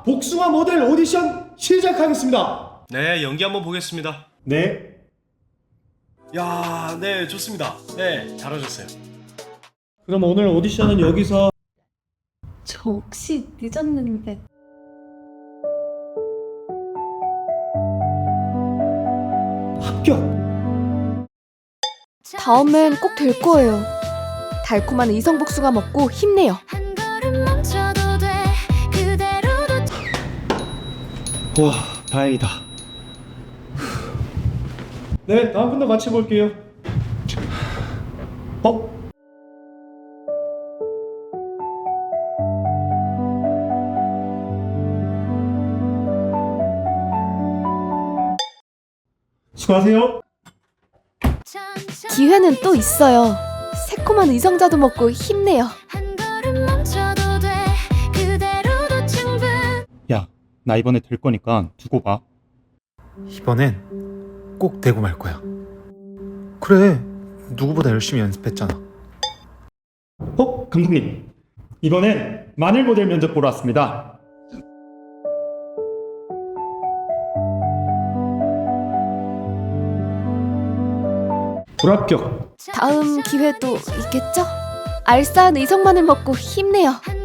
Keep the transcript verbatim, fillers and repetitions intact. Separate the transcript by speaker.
Speaker 1: 복숭아 모델 오디션 시작하겠습니다.
Speaker 2: 네, 연기 한번 보겠습니다.
Speaker 1: 네.
Speaker 2: 야, 네, 좋습니다. 네, 잘하셨어요.
Speaker 1: 그럼 오늘 오디션은 여기서.
Speaker 3: 저 혹시 늦었는데
Speaker 1: 합격.
Speaker 4: 다음엔 꼭 될 거예요. 달콤한 이성복숭아 먹고 힘내요.
Speaker 5: 한 걸음 멈춰도 돼 그대로도
Speaker 1: 와, 다행이다. 네, 다음 분도 같이 볼게요. 어? 수고하세요.
Speaker 5: 천천히
Speaker 4: 기회는 또 있어요. 새콤한 의성자도 먹고 힘내요.
Speaker 5: 한 걸음 멈춰도 돼 그대로도 충분
Speaker 6: 야, 나 이번에 될 거니까 두고 봐.
Speaker 7: 이번엔 꼭 되고 말 거야. 그래, 누구보다 열심히 연습했잖아.
Speaker 1: 어? 감독님, 이번엔 마늘 모델 면접 보러 왔습니다. 불합격.
Speaker 4: 다음 기회도 있겠죠? 알싸한 의성만을 먹고 힘내요.
Speaker 5: 한